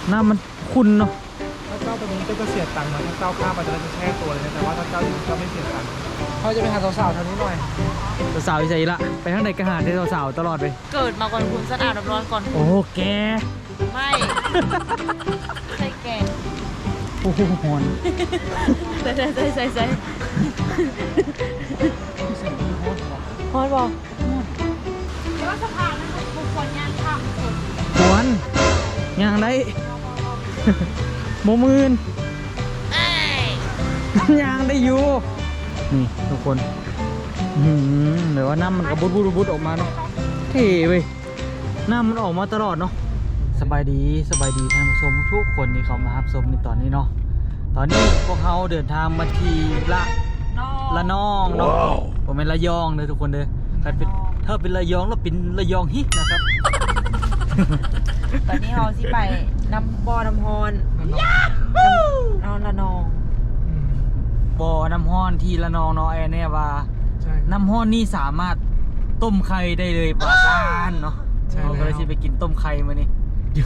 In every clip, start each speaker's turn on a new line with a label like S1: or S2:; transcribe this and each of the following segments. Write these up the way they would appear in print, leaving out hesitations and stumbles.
S1: น้ำมันขุ่นเนาะ
S2: ถ้าเจ้าตัวนี้ก็จะเสียตังค์นะถ้าเจ้าข้ามไปจะแช่ตัวเลยนะแต่ว่าถ้าเจ้าอยู่เจ้าไม่เสียตังค์เขาจะไปหาสาวๆแถวนี้หน่อย
S1: สาวๆอีใจละไปทางไหนก็หาได้สาวๆตลอดไป
S3: เกิดมาก่อนคุณสะอาดร้อนก่อน
S1: โอ้แก
S3: ไม่ใช่แก
S1: โอ้โหหอน
S3: ใส่ฮอนบอกเดี๋ยวสะพานนั้นบุคคลย่างข้าม
S1: หวนย่างได้โมมืนย่างได้อยู่นี่ทุกคนเดี๋ยวว่าน้ำมันกระบุดออกมาเนาะเท่เว้ยน้ำมันออกมาตลอดเนาะสบายดีท่านผู้ชมทุกคนที่เขามารับชมในตอนนี้เนาะตอนนี้พวกเขาเดินทางมาที่ละนองเนาะผมเป็นระยองเลยทุกคนเลยถ้าเป็นระยองแล้วเป็นระยองฮินะครับ
S3: ตอนนี้เราสิไปน้ำบ่อน้ำฮอนเอาละนอง
S1: บ่อน้ำฮ้อนที่ละนองเนาะเนี่ยว่าน้ำฮ้อนนี่สามารถต้มไข่ได้เลยปลาซ่านเนาะเราก็เลยสิไปกินต้มไข่มานี่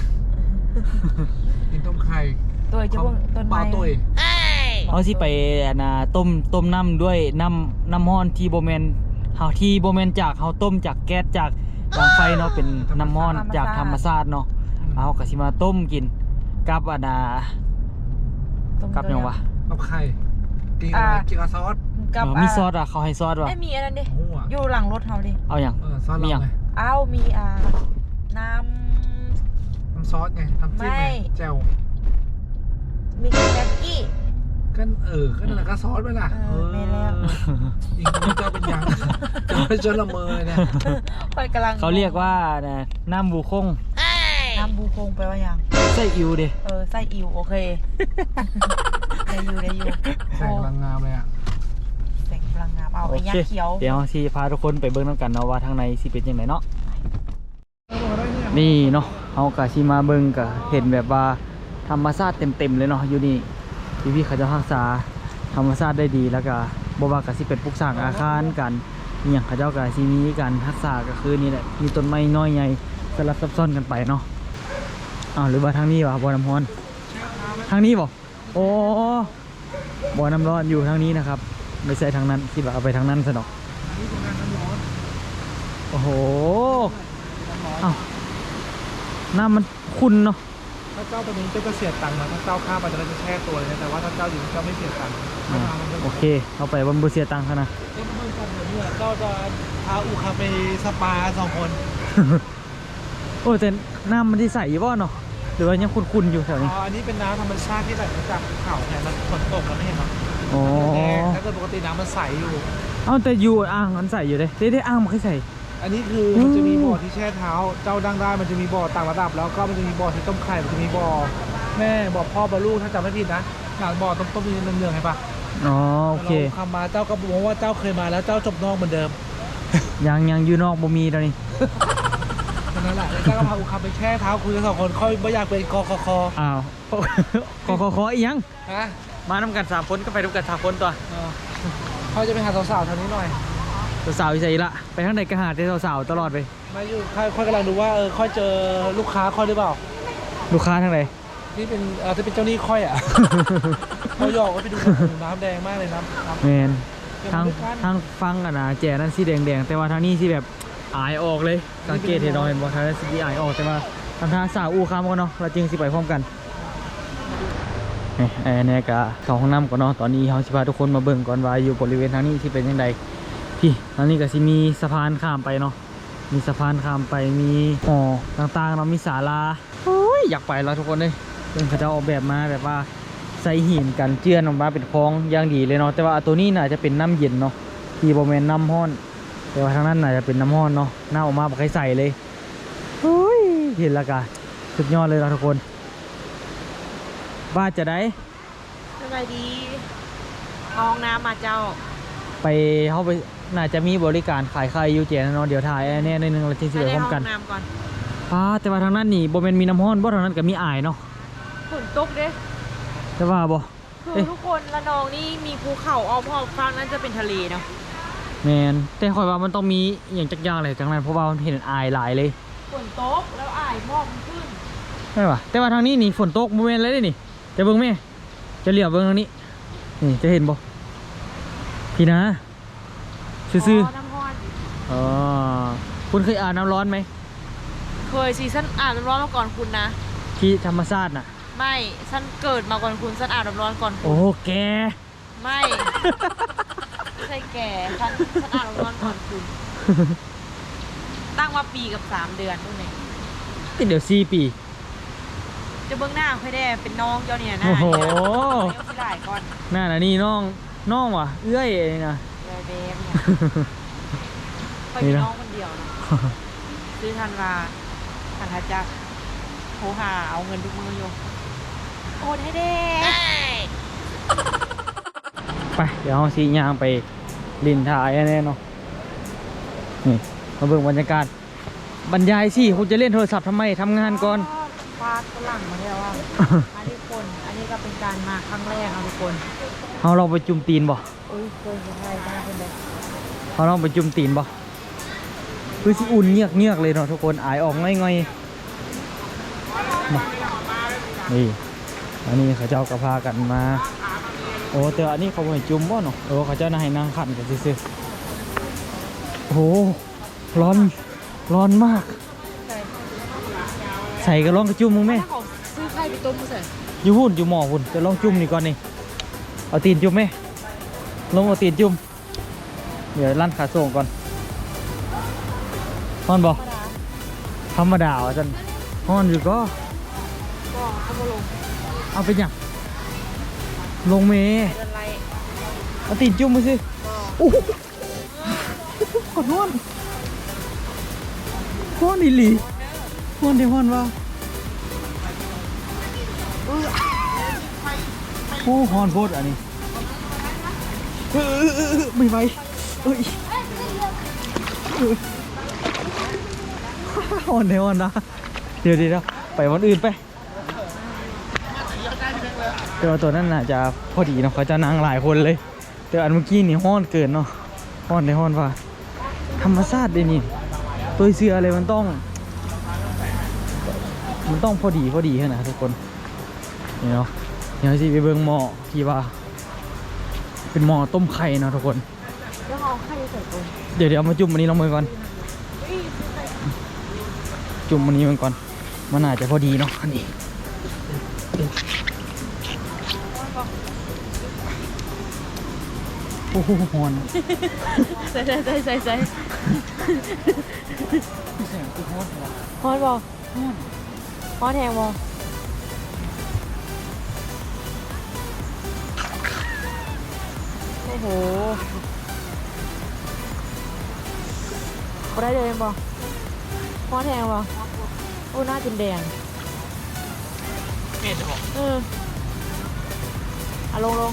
S2: กินต้มไข่
S3: ตัวจะว่าต้นไม้
S1: เขาสิไปนะต้มน้ำด้วยน้ำฮ้อนที่โบแมนที่โบแมนจากเขาต้มจากแก๊สจากดังไฟเนาะเป็นน้ำฮ้อนจากธรรมชาติเนาะเอากะสิมาต้มกินกับกับยังวะ
S2: กับไข่กินอะไรกินกับซอส
S1: มีซอสเขาให้ซอสวะ
S3: ไม่มีอะไรดิอยู่หลังรถเขาดิ
S1: เอาอย่าง
S3: มีอย่างเอามีน้
S2: ำซอสไงน้ำจิ้มไงแจ่ว
S3: มีแม็กกี้
S2: ก็นั่นแหละก็ซอสไปล่ะ
S3: ไม่แล้ว
S2: จริงๆเจ้าเป็นยังเจ้าเป็นจนละเมอเลยเนี่ย
S1: เขาเรียกว่าน้ำบูคง
S3: น้ำบูคงแปลว่าอย่าง
S1: ไส้อิวดิ
S3: ไส้อิวโอเคได้อยู่
S2: แสงพลังงามเลยอ่ะ
S3: แสงพลังงามเอาไอ้ยักษ์เขียว
S1: เดี๋ยวสิพาทุกคนไปเบิ่งน้ำกันเนาะว่าทางในสิเป็นยังไงเนาะนี่เนาะเอากะสิมาเบิ่งกะเห็นแบบว่าธรรมชาติเต็มเลยเนาะอยู่นี่พี่เขาจะรักษาธรรมชาติได้ดีแล้วก็บ่ว่ากะสิเป็นปลูกสร้างอาคารกันอย่างเขาเจ้ากะสิมีการรักษาก็คือนี่แหละมีต้นไม้น้อยใหญ่สลับซับซ้อนกันไปเนาะหรือว่าทางนี้วะบ่อน้ำร้อนทางนี้บ่โอ้บ่อน้ำร้อนอยู่ทางนี้นะครับไม่ใช่ทางนั้นคิดว่าเอาไปทางนั้นซะหนอกโอ้โหน้ำมันขุ่นเนาะ
S2: ถ้าเจ้าตัวนี้ก็จะเสียตังค์นะถ้าเจ้าข้ามไปจะแช่ตัวเลยนะแต่ว่าถ้าเจ้าอยู่เจ้าไม่เสียตังค์
S1: โอเคเอาไปบนบุเสียตังค์นะ
S2: เจ้าจะพาอูคาไปสปา2 คน
S1: โอ้แต่น้ำมันที่ใสอยู่บ่เนาะหรือว่ายังขุ่นๆอยู่แถวนี้
S2: อันนี้เป็นน้ำธรรมชาติที่ไหลมาจากเขาไงมันฝนตกแล้วไม่เห็นหรอถ้าเกิดปกติน้ำมันใสอยู่
S1: แต่อยู่อ่างมันใสอยู่เลยได้อ่างมันค่อยใส
S2: อันนี้คือมันจะมีบ่อที่แช่เท้าเจ้าดังได้มันจะมีบ่อต่างระดับแล้วก็มันจะมีบ่อที่ต้มไข่มันจะมีบ่อแม่บ่อพ่อบ่อลูกถ้าจำไม่ผิดนะหลังบ่อต้มมีเนืองๆให้ปะ
S1: โอเค
S2: คำมาเจ้าก็บอกว่าเจ้าเคยมาแล้วเจ้าจบนอกเหมือนเดิม
S1: ยังอยู่นอกบ่มีตอนนี้
S2: นั่นแหละเจ้าก็พาอูคาไปแช่เท้าคุยกัน2 คนค่อยไม่อยากเป็นกคค
S1: คอีกยังมานำกัน3 คนก็ไปด้วยกัน3 คนตัว
S2: เขาจะไปหาสาวๆแถวนี้หน่อย
S1: สาวอีใจละไปทางไหนก็หาได้สาวๆตลอดไป
S2: มาอยู่ค่อยกำลังดูว่าค่อยเจอลูกค้าค่อยหรือเปล่า
S1: ลูกค้าทางไหน
S2: ที่เป็นเจ้าหนี้ค่อยเขาหยอกว่าไปดูน้ำแดงมากเลยน้ำ
S1: แมนทางฟังแจนั่นสีแดงแต่ว่าทางนี้สีแบบอายออกเลยสังเกตเห็นเราเห็นว่าทางนั้นสีอายออกแต่ว่าทางสาวอูคามกันเนาะเราจริงสิไปพร้อมกันเนี่ยกะเข้าห้องน้ำก่อนเนาะตอนนี้เขาสิพาทุกคนมาเบิ่งก่อนว่าอยู่บริเวณทางนี้ที่เป็นยังไงพี่ตอนนี้ก็สิมีสะพานข้ามไปเนาะมีสะพานข้ามไปมีหอต่างๆเนาะมีศาลาอยากไปแล้วทุกคนเลยเป็นเขาจะออกแบบมาแบบว่าใส่หินกันเจือนออกมาเป็นคลองอย่างดีเลยเนาะแต่ว่าตัวนี้น่าจะเป็นน้ำเย็นเนาะที่บริเวณน้ำห้อนแต่ว่าทางนั้นน่าจะเป็นน้ำห้อนเนาะหน้าออกมาแบบใส่เลยเห็นแล้วกันสุดยอดเลยนะทุกคนบ้าจะได้
S3: สบายดีห้องน้ำมาเจ้า
S1: ไปเข้าไปน่าจะมีบริการขายไข่ยูเจนเนาะเดี๋ยวถ่ายแน่นึงเราจริงๆเลยพร้อมกันแต่ว่าทางนั้นนี่โบเมนมีน้ำห้อนบ่ทางนั้นก็มีอายเนาะ
S3: ฝนตกเด้
S1: แต่ว่าบ่
S3: คือทุกคนละนองนี่มีภูเขาอ้อมรอบฝั่งนั้นจะเป็นทะเลเนาะ
S1: แมนแต่คอยว่ามันต้องมีอย่างจักอย่างอะไรจังนั้นเพราะว่ามันเห็นอายหลายเลย
S3: ฝนตกแล้วอายมอกขึ้น
S1: ไม่ป่ะแต่ว่าทางนี้นี่ฝนตกโมเมนต์เลยนี่จะเบิ่งไหมจะเหลียวเบิ่งทางนี้นี่จะเห็นบ่พี่นะซื่อ
S3: น้ำร้อน
S1: ๆอ๋อคุณเคยอาบน้ำร้อนไหม
S3: เคยสิฉันอาบน้ำร้อนมาก่อนคุณนะ
S1: ที่ธรรมชาติน่ะ
S3: ไม่ฉันเกิดมาก่อนคุณฉันอาบน้ำร้อนก่อนคุ
S1: โอ้
S3: ณ
S1: แก
S3: ไม่ไม่ใช่แก่ฉันอาบน้ำร้อนก่อนคุณ ตั้งมาปีกับ3 เดือนนู่นเอง
S1: เดี๋ยว4 ปี
S3: จะเบื้องหน้าค่อยได้เป็นน้องเจ้าเนี่ยหน้า
S1: โอ้โห
S3: เดี๋ยวที่หลายก่อน
S1: น่าน่ะนี่น้องว่ะเอื้อยนี่นะ
S3: เลยเบมเนี่ยค่อยมีน้องคนเดียวเนาะซื้อทันวาทันทัจะโทรหาเอาเงินทุกมืออยู่โอนให้เด้
S1: ไปเดี๋ยวเราสีย่างไปลินถ่ายแน่เนาะนี่มาเบิ่งบรรยากาศบรรยายสิคุณจะเล่นโทรศัพท์ทำไมทำงานก่อน
S3: ฟาดฝรั่งมาแล้วว่าอันนี้คนอันนี้ก็เป็นการมาครั้งแรกเอาทุกคน
S1: เอาเราไปจุ่มตีนบ่
S3: โอ้ยเคยเห็นอะไรบ้างคนเดียว
S1: เอาเราไปจุ่มตีนบ่คือสิอุ่นเงียกเลยเนาะทุกคนอายออกง่อยๆมานี่อันนี้เขาเจ้ากระพากันมาโอ้แต่อันนี้เขาบ่ให้จุ่มบ่เนาะโอ้เขาเจ้าน่าให้นั่งขันกันซื่อๆโอ้ร้อนมาก ใส่ก็ลองกระจุ่มมึงไหม
S3: ถ้าเขาซื้อไข่ไปต้มมาใส่
S1: อยู่หุ่นอยู่หมอหุ่นจะลองจุ่มนี่ก่อนนี่เอาตีนจุ่มไหมลงเอาตีนจุ่มเดี๋ยวลั่นขาส่งก่อนฮอนบอธรรมดาอ่ะจันฮอนอยู่ก็
S3: ก็เขามาลง
S1: เอาไปยังลงเมย์
S3: เดินไล่
S1: เอาตีนจุ่มมาสิ
S3: ก็
S1: โอ้โหขอโทษฮอนอีหลีฮอนเดี๋ยวฮอนว่าโอ้ฮอนโพดอันนี้ไม่ไหวเอ้ยฮอนเดี๋ยวฮอนนะเดี๋ยวไปวันอื่นไปแต่ว่าตัวนั้นน่ะจะพอดีเนาะเขาจะนั่งหลายคนเลยแต่อันเมื่อกี้นี่ฮ้อนเกินเนาะฮ้อนได้ฮ้อนว่าธรรมชาติเลยนี่ตัวเสืออะไรมันต้องพอดีขนาดทุกคนนี่เนาะเดี๋ยวสิไปเบิ่งหม้อที่ว่าเป็นหม้อต้มไข่เนาะทุกคน
S3: แล้วเอาไข่ใส่ตรง
S1: เดี๋ยวเอามาจุ่มอันนี้ลงมือก่อนจุ่มอันนี้มันก่อนมันอาจจะพอดีเนาะอันนี้โอ้โหฮอน
S3: ใส่
S1: เสียงคือฮอนเหรอ
S3: ฮอนบอฮอนแทงบอโอ้โหก็ได้เลยบอฮอนแทงบอโอ้หน้าจนแดง
S1: เม็ดหรอ
S3: ลง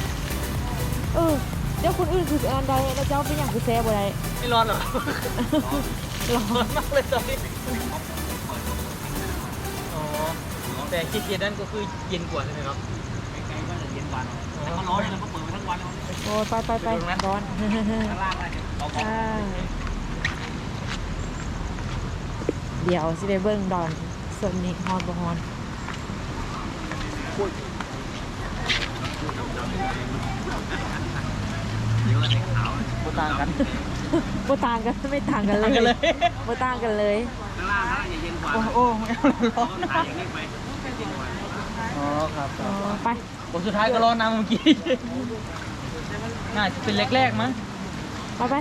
S3: เดี๋ยวคนอื่นคืออันใดแล้วเจ้าเป็นอย่างคือแซ่บ่ได้
S1: ไม่ร้อนเหรอ
S3: ร้อน
S1: ร้อนมากเลยตอนนี้อ๋อแต่คิดนั่นก็คือเย็นกว่าใช่ไหมครับไกลๆก็จะเย็นกว่าแต่ก็ร้อนเลยเราก็เปิดไว้ทั้งวันเลย
S3: โอ้ไปร้อน
S1: ข้างล่างอะไร
S3: เดี๋ยวสิได้เบิ้งดอนส่วนนี้ฮอนบ่ฮอน
S1: โบต่างกัน
S3: บ่ต่างกันไม่ต่างกันเลยบ่ต่างกันเลย
S1: ข้างล่างนะอย่าเย็นกว่าโอ้ไม่เอาร้อนถ่ายอย่างนี้ไปอ๋อครับ
S3: อ๋อไป
S1: บทสุดท้ายก็ร้อนน้ำเมื่อกี้น่าจะเป็นแรกๆมั้ง
S3: ไป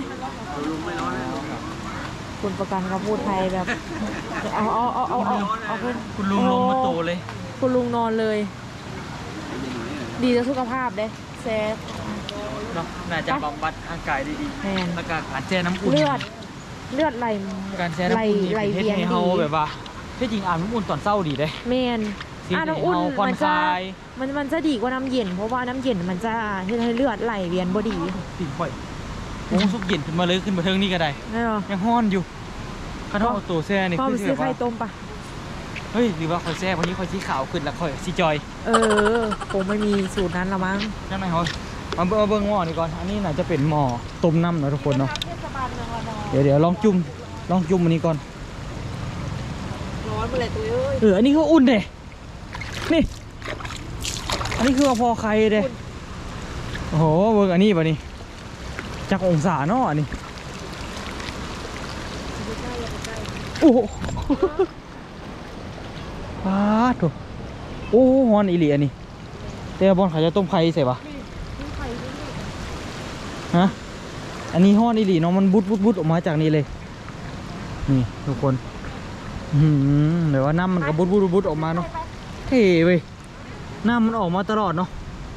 S3: คุณประกันเขาพูดไทยแบบเอาขึ้น
S1: คุณลุงลงมาโตเลย
S3: คุณลุงนอนเลย ดีต่อสุขภาพเด้เซฟ
S1: เนาะน่าจะบำบัดร่างกายได้ดี
S3: แมน
S1: แล้วก็การแช่น้ำอุ่น
S3: เลือดไหล
S1: การแช่น้ำอุ่นนี่
S3: ไหล
S1: เป็นเฮ็ด
S3: เวียน
S1: ให้เฮา
S3: ดี
S1: แบบว่าที่จริงอาบน้ำอุ่นตอนเช้าดีเด้
S3: แมน
S1: ที่
S3: น้ำอุ่น
S1: ให้เฮาผ่อน
S3: มัน
S1: ค
S3: จะ
S1: ลาย
S3: มันจะดีกว่าน้ำเย็นเพราะว่าน้ำเย็นมันจะให้เลือดไหลเวียนบ่ดี
S1: ติ่งข่อยโอ้สุกเย็นขึ้นมาเลยขึ้นมาเทิงนี่ก็ได้
S3: ไม่หรอ
S1: ยังฮ้อนอยู่ข้าเท่าเอาตัวแช่นี่
S3: พ่อ
S1: คื
S3: ไป
S1: อ
S3: ซื้อ
S1: แบบ
S3: ไข่
S1: ว่า
S3: ต้มปะ
S1: เฮ้ยหรือว่าข่อยแช่วันนี้ข่อยสีขาวขึ้นแล้วข่อยสีจอย
S3: คงไม่มีสูตรนั้นละมั้ง
S1: นั่นไงเฮามาเบิ่งหม้อนี่ก่อนอันนี้น่าจะเป็นหม้อต้มน้ำเนาะทุกคนเนาะ
S3: เทศบาลเมืองระนอง
S1: เดี๋ยวลองจุ่มอันนี้ก่อน
S3: ร้อนำอะไรตัวเอ้ย
S1: อันนี้คืออุ่นเด้นี่อันนี้คือว่าพอใครเด้โอ้โหเบิ่งอันนี้ป่ะนี่จักองศาเนาะอันนี้โอ้โหว้าถูกโอ้ฮอนอีหลีอันนี้แต่บอลเขาจะต้มไข่ใส่ปะฮะอันนี้ฮอนอีหลีเนาะมันบุดออกมาจากนี้เลยนี่ทุกคนเดี๋ยวว่าน้ำมันก็บุดออกมาเนาะเท่เว้ยน้ำมันออกมาตลอดเนาะ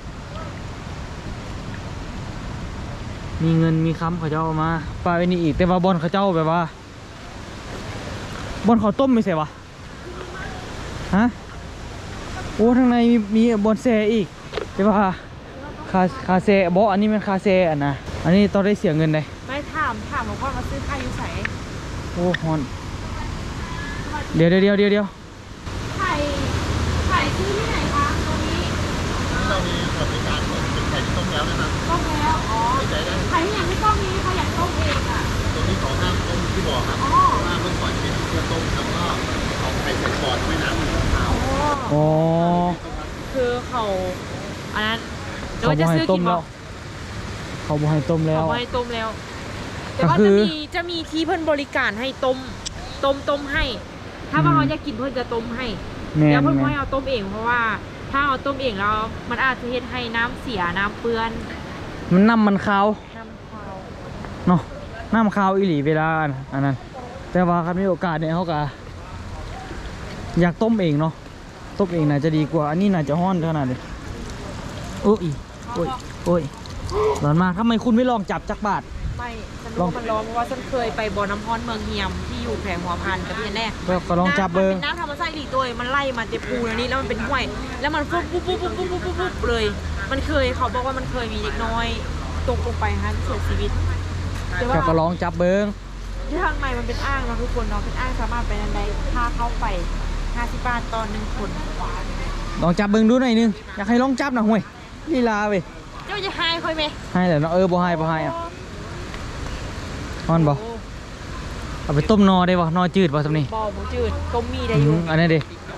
S1: มีเงินมีค้ำเขาเจ้าเอามาปลาไอ้นี่อีกแต่ว่าบอลเขาเจ้าแบบว่าบอลเขาต้มไม่ใช่ปะฮะโอ้ทางในมีบอลแซ่อีกแต่ว่าคาแซ่บออันนี้มันคาแซ่อันนะอันนี้ต้องได้เสียเงินเลย
S3: ไม่ถามหลวงพ่อมาซื้อไข่อยู่ใส่
S1: โอ้ฮอนเดี๋ยว
S3: ไข่ซื้อที่ไหนคะตรงนี้เรามีบริการเป็นไข่ที่ต้มแล้วนะครับต้มแล้วอ๋อไข่ที่อย่างที่ต้มนี้เขาอยากต้มเองอ่ะตรงนี้ของห้ามต้มที่บ่อครับเพราะว่าเมื่อก่อนเป็นเพื่อต้มแล้วก็เอาไข่ใส่บ่อไม่น้ำมันขาว
S1: อ๋อ
S3: คือเขาอันนั้น
S1: เขาบอกให้ต้มแล้วเขาบอกให้ต้มแล้ว
S3: เขาให้ต้มแล้วแต่
S1: ก็
S3: ว่า
S1: คือ
S3: จะมีที่เพิ่นบริการให้ต้มให้ ถ้าว่าเขาจะกินเพิ่นจะต้มให้
S1: แม่
S3: แล้ว
S1: น
S3: เพิ่น
S1: แม่
S3: ไม่
S1: น
S3: เอาต้มเองเพราะว่าถ้าเอาต้มเองแล้วมันอาจจะเฮ็ดให้น้ำเสียน้ำเปื้อน
S1: มันน้ำมันขาว
S3: น้ำคาว
S1: เนาะน้ำขาวอีหลีเวลาอันนั้นแต่ว่าครับมีโอกาสเนี่ยเขาก็อยากต้มเองเนาะต้มเองน่าจะดีกว่าอันนี้น่าจะห้อนขนาดนี้โอ้ยร้อนมากทำไมคุณไม่ลองจับจักบาท
S3: ไม่ฉันรู้ว่ามันร้อนเพราะว่าฉันเคยไปบ่อน้ำร้อนเมืองเฮียมที่อยู่แขวงหัวพันกับพี่แน่
S1: ก็ลองจับเบิ้ง
S3: น้ำธรรมชาติอีกตัวมันไล่มาเจ็บปูแล้วนี่แล้วมันเป็นห้วยแล้วมันปุ๊บเลย มันเคยเขาบอกว่ามันเคยมีเด็กน้อยตกลงไปฮะเสียชีวิตแต่ว่า
S1: ก็ลองจับเบิ้ง
S3: ที่ทางในมันเป็นอ่างเนาะทุกคนเนาะเป็นอ่างสามารถไปนั้นได้ถ้าเข้าไป50 บาทต่อ1 คน
S1: ลองจับเบิ้งดูหน่อยนึงอยากให้ลองจับนะห่วยลีลาเว้ย
S3: เจ้าจะหายค่อยไหม
S1: ให้แต่เนาะบ่ให้อ่ะฮ้อนบ่เอาไปต้มนอได้บ่นอจืดบ่ทำนี่
S3: บ่อหมูจืดต้มมีได้อยู่
S1: อันนี้ดิ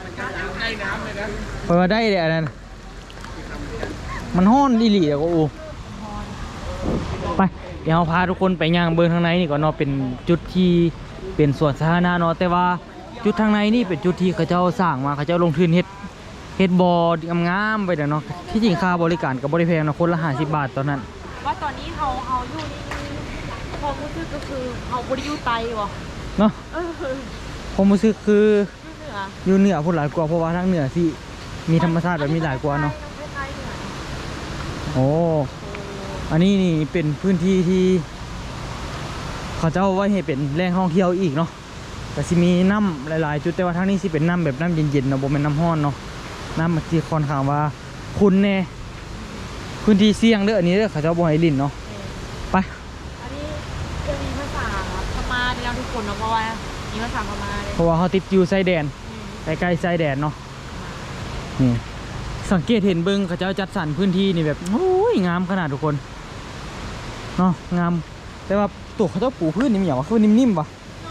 S1: เปิดได้เดี๋ยวอันนั้นมันห้อนดีหลีอะก็อูไปเดี๋ยวเราพาทุกคนไปย่างเบิ้งทางในนี่ก่อนเนาะเป็นจุดที่เป็นสวนสาธารณะเนาะแต่ว่าจุดทางในนี่เป็นจุดที่เขาเจ้าสร้างมาเขาเจ้าลงทุนเฮ็ดบ่องามๆไปเดี๋ยวเนาะที่จริงค่าบริการกับบริแพงเนาะคนละ50 บาทตอนนั้น
S3: ว่าตอนนี้เขาอยู่นี่ความรู้สึกก็คือเขาบริยูไตวะ
S1: เนาะผมรู้สึกคือ
S3: อยู่เหนือ
S1: อยู่เหนือพูดหลายกว่าเพราะว่าทางเหนือสิมีธรรมชาติแบบมีหลายกว่าเนาะโอ้อันนี้นี่เป็นพื้นที่ที่เขาเจ้าไว้ให้เป็นแหล่งท่องเที่ยวอีกเนาะแต่สิมีน้ำหลายๆจุดแต่ว่าทางนี้สิเป็นน้ำแบบน้ำเย็นๆเนาะบ่เป็นน้ำร้อนเนาะน้ำมันที่ค่อนข้างว่าคุณแน่พื้นที่เสี่ยงเด้ออันนี้เด้อเขาเจ้าบ่ให้ลิ้นเนาะไป
S3: อันนี้จะมีภาษาพม่าที่เราทุกคนเนาะเพราะว่ามีภาษาพม่าเลย
S1: เพราะว่าเขาติดอยู่ชายแดนใกล้ๆชายแดนเนาะนี่สังเกตเห็นเบิ้งเขาเจ้าจัดสรรพื้นที่นี่แบบโอ้ยงามขนาดทุกคนเนาะงามแต่ว่าตัวเขาเจ้าปูพื้นนี่มีอย่างว่าคือนิ่มๆปะ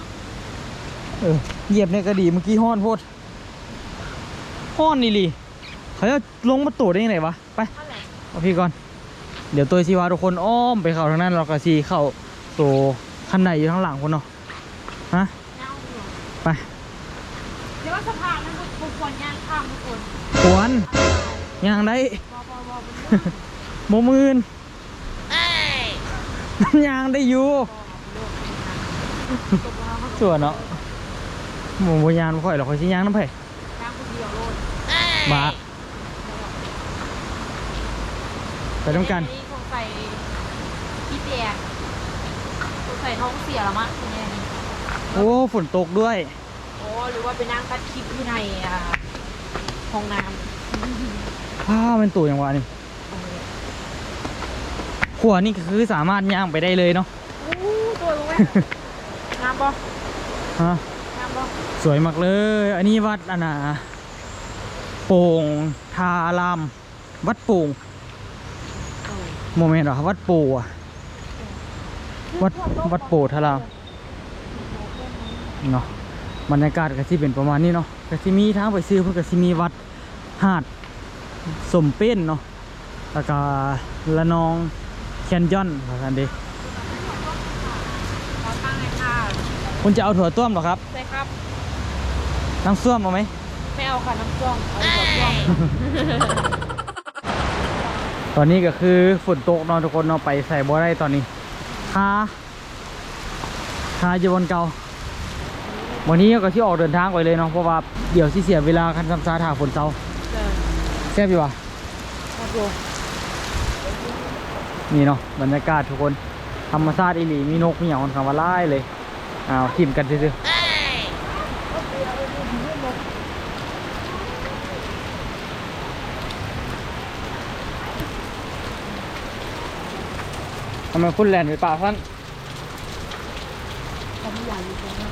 S1: เหยียบในกระดีเมื่อกี้ห้อนโพดห้อนนี่ลีเขาจะลงมาตัวได้ยังไงวะไปเอาพี่ก่อนเดี๋ยวตัวชีวาทุกคนอ้อมไปเข้าทางนั้นเราก็ชีเข้าตัวคันไหนอยู่ข้างหลังคนเนาะฮะไป
S3: เดี๋ยวว่าสะพานนั้นทุกคนย่างข้ามทุกคน
S1: ขวนย่างได้โมมืนย่างได้อยู่ส่วนเนาะหมูยานค่อยเราค่อยชิ้ย่างน้ำไผ่
S3: ย่างคนเดียวโลด
S1: บ้าไปต้องกัน
S3: นี่คงใส่พี่แดงคงใส่ท้องเสียละมั้งทีนี้
S1: โอ้ฝนตกด้วย
S3: โอ้หรือว่าไปนั่งตัดคลิปที่ในห้องน้ำ
S1: ผ้าเป็นตัวอย่างวะนี่ขวานี่คือสามารถย่างไปได้เลยเนาะ
S3: โอ้ตัวรู้ไหมงามปะ
S1: ฮะ
S3: งามปะ
S1: สวยมากเลย อันนี้วัดอันน่ะโป่งทารามวัดโป่งโมเมนต์เหรอวัดโป่อะวัดโป่ทารามเนาะบรรยากาศก็ที่เป็นประมาณนี้เนาะก็สิมีทางไปซื้อเพิ่นก็สิมีวัดหาดสมเป็นเนาะแล้วก็ละนองแคนยอนว่าซั่นเด้
S3: ขอตั้งเลยค่ะ
S1: คุณจะเอาถั่วต้วมเหรอครับ
S3: ใช่ครับ
S1: น้ำส้วมเอาไหม
S3: ไม่เอาค่ะน้ำจ้องเอาหัวจ้อง
S1: ตอนนี้ก็คือฝนตกเนาะทุกคนเนาะไปใส่บ่ได้ตอนนี้คาอยู่บนเก่าวันนี้ก็ที่ออกเดินทางไปเลยเนาะเพราะว่าเดี๋ยวสิเสียเวลาคันซ้ำซาถ่าฝนเตาแซ่บอยู่วะ
S3: ครับผม
S1: นี่เนาะบรรยากาศทุกคนธรรมชาติอีหลีมีนกมีหยังค่อนข้างว่าหลายเลยทีมกันซื่อๆทำไมคุณแลนไปป่าท่าน
S3: เขาไม่อยากอยู่ตรงนั้น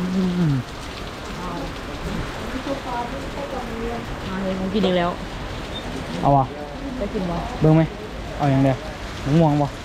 S3: มาเลยผมกินอีกแล้ว
S1: เอาวะ
S3: ได้กินบ่
S1: เบิ่งไหมเอาอย่างเดียวม่วงบ่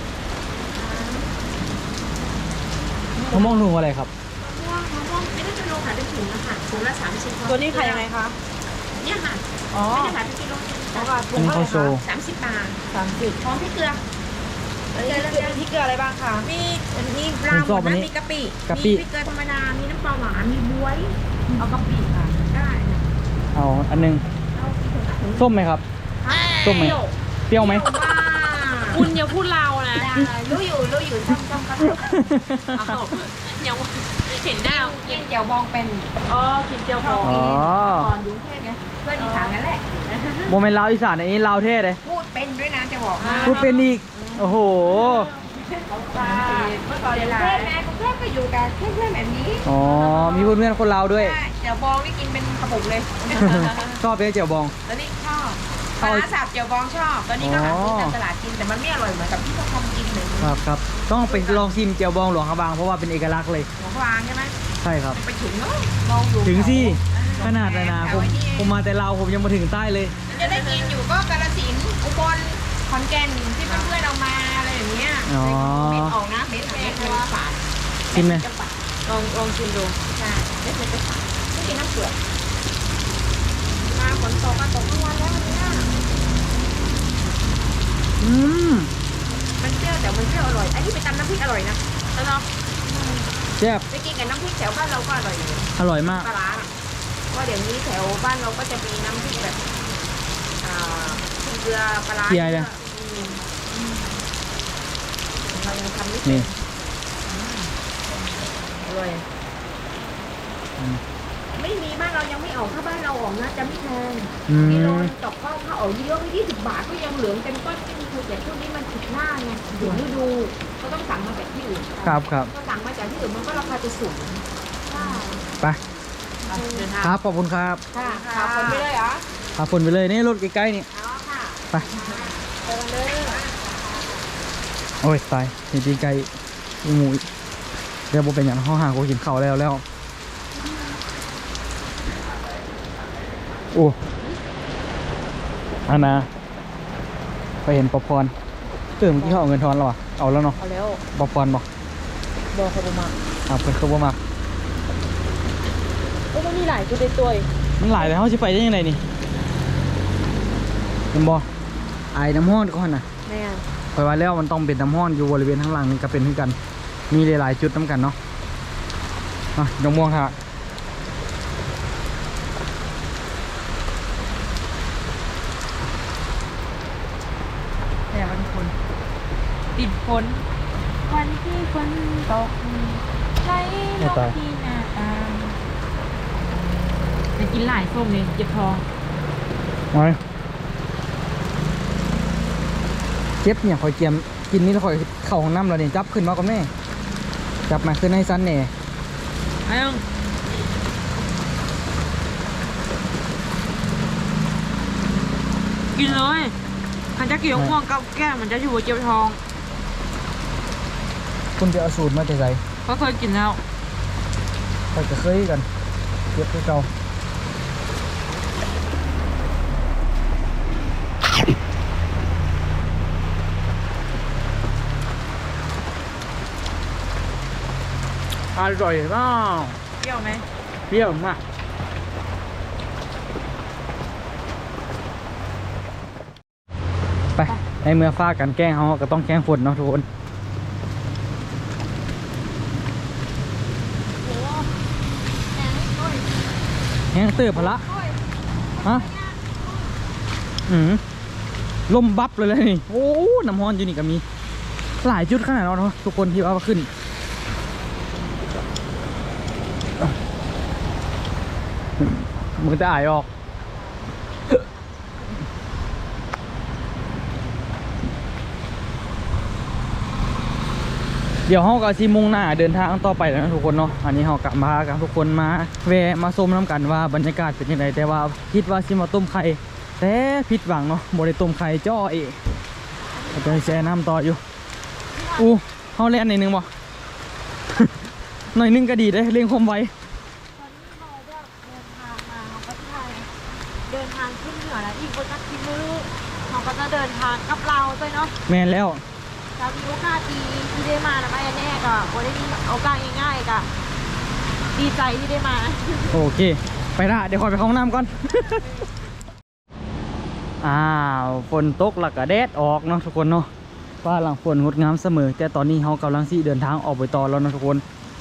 S1: มะม่วงนูอะไรครับ
S4: ม่วงไม่ได้เป็นโลขายเป็นถุงนะคะถุงละ30
S3: ตัวนี้ขายยังไงคะ
S4: เนี่ยค่ะ
S3: อ๋อ
S4: ไม่ได้ขายเป็นกิโล
S3: แล้วก็
S1: อันนี้เขาโชว์
S4: 30 บาท
S3: 30
S4: พร้อมพริกเกลือ
S3: อันนี้คือพริกเกลืออะไรบ้างคะ
S4: มีปลาหมดนะมีกะปิ
S1: กะปิ
S4: มีพริกเกลือธรรมดา มีน้ำปลาหวาน มีบ๊วย
S3: เอากะปิค่ะ
S4: ได้นะ
S1: เอาอันหนึง
S4: เอากี่ถุงคะถุง
S1: ส้มไหมครับ ส้มไหม เปรี้ยวไหม
S4: ว่า
S3: คุณอย่าพูดเรานะ
S4: ได้รู้อยู่จ้องก็
S3: เอายังเห็นได้
S4: กินเจียวบองเป็น
S3: อ๋อกินเจียวพอ
S1: อ๋อ
S4: ก่อนอยู่กรุงเทพไงเพื่อนอีสานนั่นแหละ
S1: โมเมนต์ลาวอีสานอันนี้ลาวเทศเลย
S4: พูดเป็นด้วยนะจะบอกให้
S1: พูดเป็นอีก โอ้โห
S4: ค่ะเมื่อก่อนอยู่กรุงเทพแม่กรุงเทพก็อยู่กับเพื่อนๆแบบนี้
S1: อ๋อ มีเพื่อนๆคนลาวด้วย
S4: ใช่เจียวบองนี่กินเป็นกระปุกเลย
S1: ชอบเป็นเจียวบอง
S4: ตอนนี้ชอบปลาร้าสับเจียวบองชอบ ตอนนี้ก็หาซื้อตามตลาดกินแต่มันไม่อร่อยเหมือนกับที่เขาทำกินเลย
S1: ครับครับ ต้องไปลองชิมเจียวบองหลวงพระบางเพราะว่าเป็นเอกลักษณ์เลย
S4: หัวฟางใช่ไหม
S1: ใช่ครับ
S4: ไปถึงเนาะมองอยู่
S1: ถึงสิ
S4: แถว
S1: ขนาดนะผมมาแต่ลาวผมยังมาถึงใต้เลย
S4: จะได้กินอยู่ก็กาฬสินธุ์อุบลขอนแก่นที่เพื่อนๆเอามาอะไรอย่างเงี้ย
S1: อ๋อ
S4: เม็ดออกนะเม็ดเป็นฝาด
S1: ชิมไหม
S4: จะฝาด
S3: ลองชิมดู
S4: ใช่เม็ดจะฝาดไม่กินน้ำเปลือกมาฝนตกมาตกทั้งวันแล้ววันเนี้ย
S1: อืม
S4: มันเปรี้ยวแต่มันเปรี้ยวอร่อย อันนี้ไปตำน้ำพริกอร่อยนะ
S3: แล้วเนาะ
S1: แซ่บ
S4: ไปกินกับน้ำพริกแถวบ้านเราก็อร่อยอยู่
S1: อร่อยมาก
S4: ปลาร้าเพราะเดี๋ยวนี้แถวบ้านเราก็จะมีน้ำพริกแบบเกลือปลาร้า
S1: เกลือเลย
S4: อืมเรายังทำไม่เป็
S1: นี่
S4: นอร่อย
S1: อืม
S4: ไม่มีบ้านเรายังไม่ออกถ้าบ้านเราออกนะจะไม่แพง
S1: อื
S4: กิโล
S3: Ừ.
S4: นึงตกข้าวถ้าออกเยอะๆไม่20 บาทก็ยังเหลืองเต็มต้นไม่มีคือแต่ช่วงนี้มันผิดหน้าไงถึงฤดูก็ต้องสั่งมาจากที่อื่น
S1: ครับครับ
S4: ก็สั่งมาจากที่อื่นมันก็ราคาจะสูงใช่
S1: ไป
S3: เดินทาง
S1: ครับ ขอบคุณครับ
S4: ค่ะขับคนไปเลยเหรอ
S1: พาฝนไปเลยนี่รถใกล้ๆนี่
S4: อ๋อค่ะ
S1: ไป
S4: ไปกันเลย
S1: โอ้ยตายเห็นตีนไก่อีหมูอีกเดี๋ยวโบเป็นอย่างห้องหากูกินข้าวแล้วโอ้อันนะไปเห็นป๊อปคอร์นเมื่อกี้เขาเอาเงินทอนแล้ววะเอาแล้วเนาะ
S3: เอาแล้ว
S1: ป๊อปคอร์นบอก
S3: บอกเขาประมาณ
S1: เพิ่นเขาบ่มาก
S3: ก็มันมีหลายตัวในตัวอีก
S1: มันหลายแล้วเขาจะไปได้ยังไงนี่เห็นบ่ไอ้น้ำห้อนก่อนนะ
S3: แม่
S1: คอยว่าแล้วมันต้องเป็นน้ำห้อนอยู่บริเวณข้างหลังนี่ก็เป็นที่กัน มีหลายๆจุดน้ำกันเนาะดงม่วงค่ะ
S3: แต่วันคนติดฝนวันที่ฝนตกใช้นกที่หน้าตางจะกินหลายส้มเลยเจ็บท้อง
S1: ไว้เจ็บเนี่ยคอยเกียมกินนี่แล้วคอยเข่าของน้ำเราเนี่ยจับขึ้นมาก็แม่จับมาขึ้นให้สั้นแหน่
S3: ไอ้ยังกินเลยคันจะเกี่ยวม่วงกับแก้มมันจะอยู่บนเจ็บท้อง
S1: คุณจะเอาสูตรมาจากไหน
S3: เขาเคยกินแล้ว
S1: คอยจะเคยกันเจ็บคือเก่าอร่อยมาก
S3: เปรี้ยวไหม
S1: เปรี้ยวมากในเมื่อฟ้ากันแกล้งเขาก็ต้องแกล้งฝนเนาะทุกคน
S3: โอ้แอนโอ้ย
S1: แห้งเติบพละ
S3: โอ้ย
S1: ฮะลมบับเลยนี่โอ้น้ำฮ้อนอยู่นี่ก็มีหลายจุดขนาดนั้นเนาะทุกคนที่ว่าขึ้นมือจะอายออกเดี๋ยวเราก็สิมุ่งหน้าเดินทางต่อไปแล้วนะทุกคนเนาะอันนี้เรากลับมากับทุกคนมาแวะมาชมน้ำกันว่าบรรยากาศเป็นยังไงแต่ว่าคิดว่าสิมาต้มไข่แต่ผิดหวังเนาะบ่ได้ต้มไข่จ้อเองจะแช่น้ำต่ออยู่อู้เขาเล่นหน่อยนึงบ่ หน่อยนึงก็ดีเลยเร่งความไว
S3: ตอนนี้เราแบบเดินทางมาเราก็ไทยเดินทางขึ้นเหนือแล้วอีกคนก็กินมือเราก็จะเดินทางกับเราด้วยเนาะ
S1: แมนแล้ว
S3: จะมีโอกาสดีที่ได้มานะไม่แน่ก็บ่ได้มีโอกาสง่ายๆก็ดีใจที่ได้มา
S1: โอเคไปละเดี๋ยวขอไปเข้าห้องน้ำก่อน อ้าวฝนตกแล้วก็แดดออกเนาะทุกคนเนาะฟ้าหลังฝนงดงามเสมอแต่ตอนนี้เขากำลังที่เดินทางออกไปต่อแล้วนะทุกคน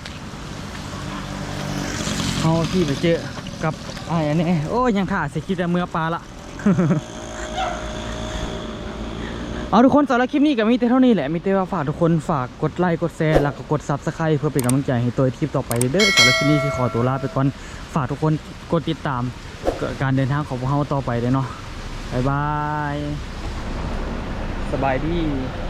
S1: เขาที่ไปเจอกับไอ้อันนี้โอ้ยยังถ่าเสียคลิปแต่เมื่อปลาละ เอาทุกคนสำหรับคลิปนี้ก็มีแต่เท่านี้แหละมีแต่ว่าฝากทุกคนฝากกดไลค์กดแชร์แล้วก็กด Subscribe เพื่อเป็นกำลังใจให้ตัวคลิปต่อไปเด้อสำหรับคลิปนี้ที่ขอตัวลาไปก่อนฝากทุกคนกดติดตามการเดินทางของพวกเราต่อไปเลยเนาะบ๊ายบายสบายดี